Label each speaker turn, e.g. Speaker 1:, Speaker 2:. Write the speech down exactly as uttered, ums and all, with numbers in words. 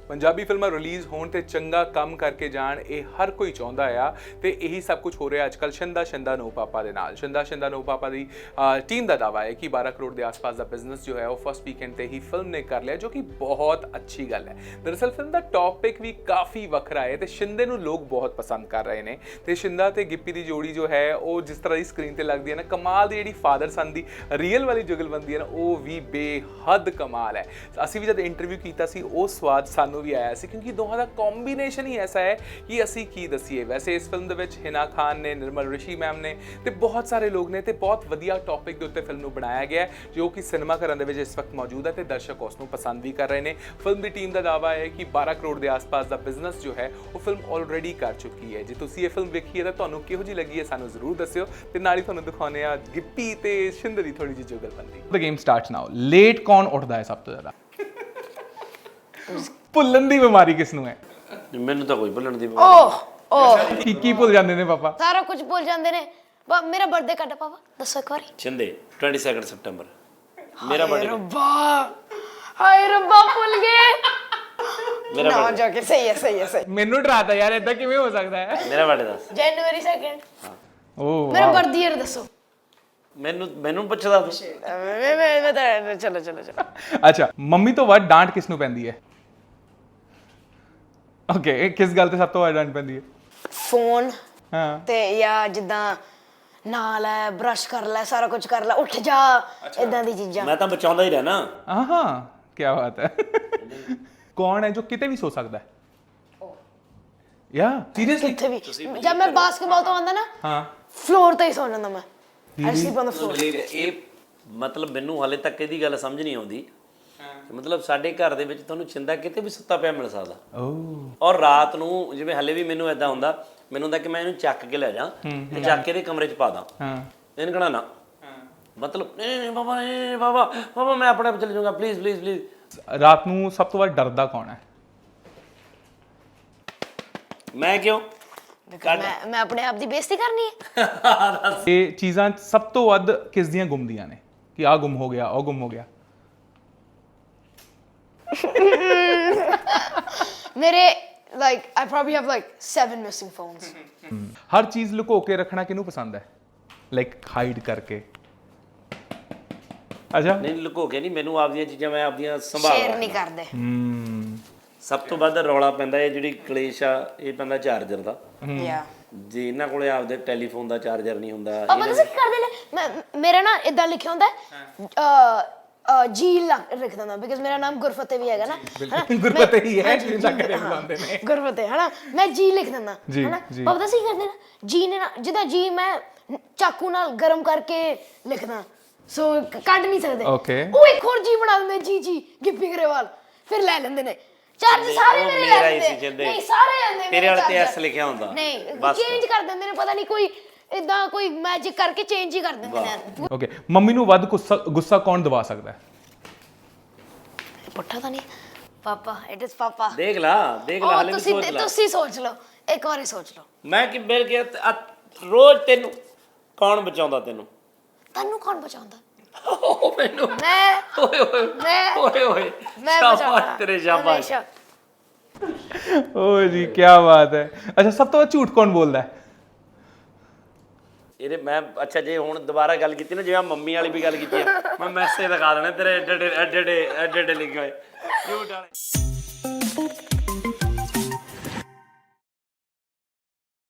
Speaker 1: ਪੰਜਾਬੀ ਫਿਲਮਾਂ ਰਿਲੀਜ਼ ਹੋਣ ਤੇ ਚੰਗਾ ਕੰਮ ਕਰਕੇ ਜਾਣ, ਇਹ ਹਰ ਕੋਈ ਚਾਹੁੰਦਾ ਆ ਤੇ ਇਹੀ ਸਭ ਕੁਝ ਹੋ ਰਿਹਾ ਅੱਜ ਕੱਲ੍ਹ ਸ਼ਿੰਦਾ ਸ਼ਿੰਦਾ ਨੋ ਪਾਪਾ ਦੇ ਨਾਲ। ਸ਼ਿੰਦਾ ਸ਼ਿੰਦਾ ਨੋ ਪਾਪਾ ਦੀ ਟੀਮ ਦਾ ਦਾਅਵਾ ਹੈ ਕਿ ਬਾਰਾਂ ਕਰੋੜ ਦੇ ਆਸ-ਪਾਸ ਦਾ ਬਿਜ਼ਨਸ ਜੋ ਹੈ ਉਹ ਫਸਟ ਵੀਕਐਂਡ ਤੇ ਹੀ ਫਿਲਮ ਨੇ ਕਰ ਲਿਆ, ਜੋ ਕਿ ਬਹੁਤ ਅੱਛੀ ਗੱਲ ਹੈ। ਦਰਅਸਲ ਫਿਲਮ ਦਾ ਟੌਪਿਕ ਵੀ ਕਾਫੀ ਵੱਖਰਾ ਹੈ ਤੇ ਸ਼ਿੰਦੇ ਨੂੰ ਲੋਕ ਬਹੁਤ ਪਸੰਦ ਕਰ ਰਹੇ ਨੇ ਤੇ ਸ਼ਿੰਦਾ ਤੇ ਗਿੱਪੀ ਦੀ ਜੋੜੀ ਜੋ ਹੈ ਉਹ ਜਿਸ ਤਰ੍ਹਾਂ ਦੀ ਸਕਰੀਨ ਤੇ ਲੱਗਦੀ ਹੈ ਨਾ, ਕਮਾਲ ਦੀ ਜਿਹੜੀ ਫਾਦਰ ਸਨ ਦੀ ਰੀਅਲ ਵਾਲੀ ਜੁਗਲਬੰਦੀ ਹੈ ਨਾ, ਉਹ ਵੀ ਬੇਹੱਦ ਕਮਾਲ ਹੈ। ਅਸੀਂ ਵੀ ਜਦ ਇੰਟਰਵਿਊ ਕੀਤਾ ਸੀ ਉਹ ਸਵਾਦ ਸਾਨੂੰ ਵੀ ਆਇਆ ਸੀ, ਕਿਉਂਕਿ ਦੋਹਾਂ ਦਾ ਕੰਬੀਨੇਸ਼ਨ ਹੀ ਐਸਾ ਹੈ ਕਿ ਅਸੀਂ ਕੀ ਦਸੀਏ। ਵੈਸੇ ਇਸ ਫਿਲਮ ਦੇ ਵਿੱਚ ਹਿਨਾ ਖਾਨ ਨੇ, ਨਿਰਮਲ ਰਿਸ਼ੀ ਮੈਮ ਨੇ ਤੇ ਬਹੁਤ ਸਾਰੇ ਲੋਕ ਨੇ ਤੇ ਬਹੁਤ ਵਧੀਆ ਟੌਪਿਕ ਦੇ ਉੱਤੇ ਫਿਲਮ ਨੂੰ ਬਣਾਇਆ ਗਿਆ ਹੈ, ਜੋ ਕਿ ਸਿਨੇਮਾ ਘਰਾਂ ਦੇ ਵਿੱਚ ਇਸ ਵਕਤ ਮੌਜੂਦ ਹੈ ਤੇ ਦਰਸ਼ਕ ਉਸ ਨੂੰ ਪਸੰਦ ਵੀ ਕਰ ਰਹੇ ਨੇ। ਫਿਲਮ ਦੀ ਟੀਮ ਦਾ ਦਾਅਵਾ ਹੈ ਕਿ ਬਾਰਾਂ ਕਰੋੜ ਦੇ ਆਸ-ਪਾਸ ਦਾ ਬਿਜ਼ਨਸ ਜੋ ਹੈ ਉਹ ਫਿਲਮ ਆਲਰੇਡੀ ਕਰ ਚੁੱਕੀ ਹੈ। ਜੇ ਤੁਸੀਂ ਇਹ ਫਿਲਮ ਵੇਖੀ ਹੈ ਤਾਂ ਤੁਹਾਨੂੰ ਕਿਹੋ ਜਿਹੀ ਲੱਗੀ ਹੈ ਸਾਨੂੰ ਜ਼ਰੂਰ ਦੱਸਿਓ ਤੇ ਨਾਲ ਹੀ ਤੁਹਾਨੂੰ ਦਿਖਾਉਂਦੇ ਆ ਗਿੱਪੀ ਤੇ ਸ਼ਿੰਦੇ ਦੀ ਥੋੜੀ ਜਿਹੀ ਜੁਗਲਬੰਦੀ। The game starts now. Late ਕੌਣ ਉੱਠਦਾ ਹੈ ਸਭ ਤੋਂ ਜ਼ਿਆਦਾ? ਭੁੱਲਣ ਦੀ ਬਿਮਾਰੀ ਕਿਸ ਨੂੰ ਹੈ?
Speaker 2: ਮੈਨੂੰ ਤਾਂ ਕੋਈ ਭੁੱਲਣ ਦੀ ਬਿਮਾਰੀ
Speaker 3: ਓਹ ਓਹ
Speaker 1: ਕੀ ਕੀ ਭੁੱਲ ਜਾਂਦੇ ਨੇ ਪਾਪਾ?
Speaker 3: ਸਾਰਾ ਕੁਝ ਭੁੱਲ ਜਾਂਦੇ ਨੇ। ਬਾ ਮੇਰਾ ਬਰਥਡੇ ਕਦ ਪਾਪਾ ਦੱਸੋ ਇੱਕ ਵਾਰੀ।
Speaker 2: ਛਿੰਦੇ ਬਾਈਸ ਸਤੰਬਰ ਮੇਰਾ ਬਰਥਡੇ।
Speaker 3: ਰੱਬਾ ਹਾਏ ਰੱਬਾ ਭੁੱਲ ਗਏ।
Speaker 2: ਮੇਰਾ
Speaker 3: ਨਾ
Speaker 2: ਬਰਥਡੇ
Speaker 3: ਜਾ ਕੇ ਸਹੀ ਹੈ ਸਹੀ ਹੈ ਸਹੀ।
Speaker 1: ਮੈਨੂੰ ਡਰਾਤਾ ਯਾਰ, ਇਦਾਂ ਕਿਵੇਂ ਹੋ ਸਕਦਾ ਹੈ?
Speaker 2: ਮੇਰਾ ਬਰਥਡੇ ਦੱਸ।
Speaker 3: January second.
Speaker 1: ਓਹ
Speaker 3: ਮੇਰਾ ਬਰਥ ਈਅਰ ਦੱਸੋ।
Speaker 2: ਮੈਨੂੰ ਮੈਨੂੰ ਪੁੱਛਦਾ ਤੂੰ?
Speaker 3: ਮੈਂ ਮੈਂ ਮੈਂ ਤਾਂ ਚਲੋ ਚਲੋ ਚਲੋ।
Speaker 1: ਅੱਛਾ, ਮੰਮੀ ਤੋਂ ਵੱਧ ਡਾਂਟ ਕਿਸ ਨੂੰ ਪੈਂਦੀ ਹੈ? ਓਕੇ, ਕਿਸ ਗੱਲ ਤੇ ਸਭ ਤੋਂ ਵੱਧ ਡਾਂਟ ਪੈਂਦੀ ਹੈ?
Speaker 3: ਫੋਨ
Speaker 1: ਹਾਂ
Speaker 3: ਤੇ ਜਾਂ ਜਿੱਦਾਂ ਨਾਲ ਹੈ, ਬ੍ਰਸ਼ ਕਰ ਲੈ, ਸਾਰਾ ਕੁਝ ਕਰ ਲੈ, ਉੱਠ ਜਾ, ਇਦਾਂ ਦੀ ਚੀਜ਼ਾਂ।
Speaker 2: ਮੈਂ ਤਾਂ ਬਚਾਉਂਦਾ ਹੀ ਰਹਿਣਾ।
Speaker 1: ਹਾਂ ਹਾਂ, ਕੀ ਬਾਤ ਹੈ। ਕੌਣ ਹੈ ਜੋ ਕਿਤੇ ਵੀ ਸੋ ਸਕਦਾ ਹੈ? ਯਾ ਸੀਰੀਅਸਲੀ?
Speaker 3: ਕਿੱਥੇ ਵੀ। ਜਦ ਮੈਂ ਬਾਸਕਟਬਾਲ ਤੋਂ ਆਉਂਦਾ ਨਾ,
Speaker 1: ਹਾਂ,
Speaker 3: ਫਲੋਰ ਤੇ ਹੀ ਸੌ ਜਾਂਦਾ ਮੈਂ। I sleep on the floor.
Speaker 2: ਇਹ ਮਤਲਬ ਮੈਨੂੰ ਹਾਲੇ ਤੱਕ ਇਹਦੀ ਗੱਲ ਸਮਝ ਨਹੀਂ ਆਉਂਦੀ। ਮਤਲਬ ਸਾਡੇ ਘਰ ਦੇ ਵਿੱਚ ਤੁਹਾਨੂੰ ਛਿੰਦਾ ਕਿਤੇ ਵੀ ਸੁੱਤਾ ਪਿਆ ਮਿਲ ਸਕਦਾ।
Speaker 1: ਓਹ
Speaker 2: ਔਰ ਰਾਤ ਨੂੰ ਜਿਵੇਂ ਹਲੇ ਵੀ ਮੈਨੂੰ ਇਦਾਂ ਹੁੰਦਾ, ਮੈਨੂੰ ਹੁੰਦਾ ਕਿ ਮੈਂ ਇਹਨੂੰ ਚੱਕ ਕੇ ਲੈ ਜਾ ਤੇ ਚੱਕ ਕੇ ਇਹਦੇ ਕਮਰੇ 'ਚ ਪਾ ਦਾਂ।
Speaker 1: ਹਾਂ,
Speaker 2: ਇਹਨੂੰ ਕਹਣਾ ਨਾ, ਮਤਲਬ ਨਹੀਂ ਨਹੀਂ ਬਾਬਾ, ਨਹੀਂ ਬਾਬਾ ਬਾਬਾ ਮੈਂ ਆਪਣੇ ਆਪ ਚਲੇ ਜਾਊਂਗਾ, ਪਲੀਜ਼ ਪਲੀਜ਼ ਪਲੀਜ਼।
Speaker 1: ਰਾਤ ਨੂੰ ਸਭ ਤੋਂ ਵੱਧ ਡਰਦਾ ਕੌਣ ਹੈ?
Speaker 2: ਮੈਂ ਕਿਉਂ?
Speaker 3: ਮੈਂ ਮੈਂ ਆਪਣੇ ਆਪ ਦੀ ਬੇਇੱਜ਼ਤੀ ਕਰਨੀ ਹੈ।
Speaker 1: ਇਹ ਚੀਜ਼ਾਂ ਸਭ ਤੋਂ ਵੱਧ ਕਿਸ ਦੀਆਂ ਗੁੰਮਦੀਆਂ ਨੇ ਕਿ ਆ ਗੁੰਮ ਹੋ ਗਿਆ, ਉਹ ਗੁੰਮ ਹੋ ਗਿਆ?
Speaker 3: ਮੇਰੇ like I probably have like seven missing phones.
Speaker 1: ਹਰ ਚੀਜ਼ ਲੁਕੋ ਕੇ ਰੱਖਣਾ ਕਿਹਨੂੰ ਪਸੰਦ ਹੈ? ਲਾਈਕ ਹਾਈਡ ਕਰਕੇ। ਅੱਛਾ,
Speaker 2: ਨਹੀਂ ਲੁਕੋ ਕੇ ਨਹੀਂ, ਮੈਨੂੰ ਆਪਦੀਆਂ ਚੀਜ਼ਾਂ ਮੈਂ ਆਪਦੀਆਂ ਸੰਭਾਲ
Speaker 3: ਸ਼ੇਅਰ
Speaker 2: ਰੱਖਦਾ।
Speaker 3: ਨਹੀਂ ਕਰਦੇ।
Speaker 1: ਹਮ
Speaker 2: ਸਭ ਤੋਂ ਵੱਧ ਰੌਲਾ ਪੈਂਦਾ ਇਹ ਜਿਹੜੀ ਕਲੇਸ਼ ਆ, ਇਹ ਪੈਂਦਾ ਚਾਰਜਰ ਦਾ।
Speaker 3: ਯਾ
Speaker 2: ਜੇ ਇਹਨਾਂ ਕੋਲੇ ਆਪਦੇ ਟੈਲੀਫੋਨ ਦਾ ਚਾਰਜਰ ਨਹੀਂ ਹੁੰਦਾ।
Speaker 3: ਪਾਪਾ ਤੁਸੀਂ ਕੀ ਕਰਦੇ ਨੇ? ਮੈਂ ਮੇਰਾ ਨਾ ਇਦਾਂ ਲਿਖਿਆ ਹੁੰਦਾ ਅ ਜੀ ਲਿਖ ਦਿੰਦਾ, ਬਿਕਾਜ਼ ਮੇਰਾ ਨਾਮ ਗੁਰਫਤਿਹ ਵੀ ਹੈਗਾ ਨਾ।
Speaker 1: ਗੁਰਫਤਿਹ ਹੀ ਹੈ, ਜਿੰਦਾ ਕਰੇ ਬੁਲਾਉਂਦੇ ਨੇ
Speaker 3: ਗੁਰਫਤਿਹ, ਹਨਾ। ਮੈਂ ਜੀ ਲਿਖ ਦਿੰਦਾ ਹਨਾ। ਪਾਪਾ ਤੁਸੀਂ ਕੀ ਕਰਦੇ ਨੇ? ਜੀ ਨੇ ਨਾ, ਜਿੱਦਾਂ ਜੀ ਮੈਂ ਚਾਕੂ ਨਾਲ ਗਰਮ ਕਰਕੇ ਲਿਖਦਾ, ਸੋ ਕੱਢ ਨਹੀਂ ਸਕਦੇ।
Speaker 1: ਓਕੇ,
Speaker 3: ਉਹ ਇੱਕ ਹੋਰ ਜੀ ਬਣਾ ਦਿੰਦੇ, ਜੀ ਜੀ ਗਿੱਪੀ ਗਰੇਵਾਲ, ਫਿਰ ਲੈ ਲੈਂਦੇ ਨੇ ਚਾਰਜ। ਸਾਰੇ ਮੇਰੇ ਲੈ ਲੈਂਦੇ। ਨਹੀਂ ਸਾਰੇ ਲੈਂਦੇ।
Speaker 2: ਤੇਰੇ ਵਾਲੇ ਤੇ ਐਸ ਲਿਖਿਆ ਹੁੰਦਾ।
Speaker 3: ਨਹੀਂ, ਚੇਂਜ ਕਰ ਦਿੰਦੇ ਨੇ, ਪਤਾ ਨਹੀਂ ਕੋਈ ਇਦਾਂ ਕੋਈ ਮੈਜਿਕ ਕਰਕੇ ਚੇਂਜ ਹੀ ਕਰ ਦਿੰਦੇ ਨੇ।
Speaker 1: ਓਕੇ, ਮੰਮੀ ਨੂੰ ਵੱਧ ਗੁੱਸਾ ਗੁੱਸਾ ਕੌਣ ਦਵਾ ਸਕਦਾ ਹੈ?
Speaker 3: ਪੁੱਠਾ ਤਾਂ ਨਹੀਂ ਪਾਪਾ, ਇਟ ਇਜ਼ ਪਾਪਾ।
Speaker 2: ਦੇਖ ਲਾ ਦੇਖ ਲਾ, ਹਾਲੇ ਵੀ
Speaker 3: ਤੁਸੀਂ
Speaker 2: ਸੋਚ ਲਾ।
Speaker 3: ਤੁਸੀਂ ਸੋਚ ਲਓ, ਇੱਕ ਵਾਰੀ ਸੋਚ ਲਓ।
Speaker 2: ਮੈਂ ਕਿ ਮਿਲ ਗਿਆ ਰੋਜ਼ ਤੈਨੂੰ ਕੌਣ ਬਚਾਉਂਦਾ? ਤੈਨੂੰ
Speaker 3: ਤੁਹਾਨੂੰ ਕੌਣ ਬਚਾਉਂਦਾ?
Speaker 2: ਉਹ ਮੈਨੂੰ।
Speaker 3: ਮੈਂ
Speaker 2: ਓਏ ਓਏ
Speaker 3: ਮੈਂ
Speaker 2: ਓਏ ਓਏ
Speaker 3: ਮੈਂ
Speaker 2: ਸ਼ਾਬਾਸ਼ ਤੇਰੇ, ਸ਼ਾਬਾਸ਼।
Speaker 1: ਓ ਜੀ, ਕੀ ਬਾਤ ਹੈ। ਅੱਛਾ, ਸਭ ਤੋਂ ਵੱਧ ਝੂਠ ਕੌਣ ਬੋਲਦਾ ਹੈ? ਇਹਦੇ
Speaker 2: ਮੈਂ ਅੱਛਾ ਜੇ ਹੁਣ ਦੁਬਾਰਾ ਗੱਲ ਕੀਤੀ ਨਾ, ਜਿਵੇਂ ਮੰਮੀ ਵਾਲੀ ਵੀ ਗੱਲ ਕੀਤੀ ਹੈ, ਮੈਂ ਮੈਸੇਜ ਦਿਖਾ ਦੇਣਾ ਤੇਰੇ ਐਡੇ ਐਡੇ ਐਡੇ ਐਡੇ ਐਡੇ ਲਿਖੇ ਹੋਏ ਝੂਠ ਵਾਲੇ।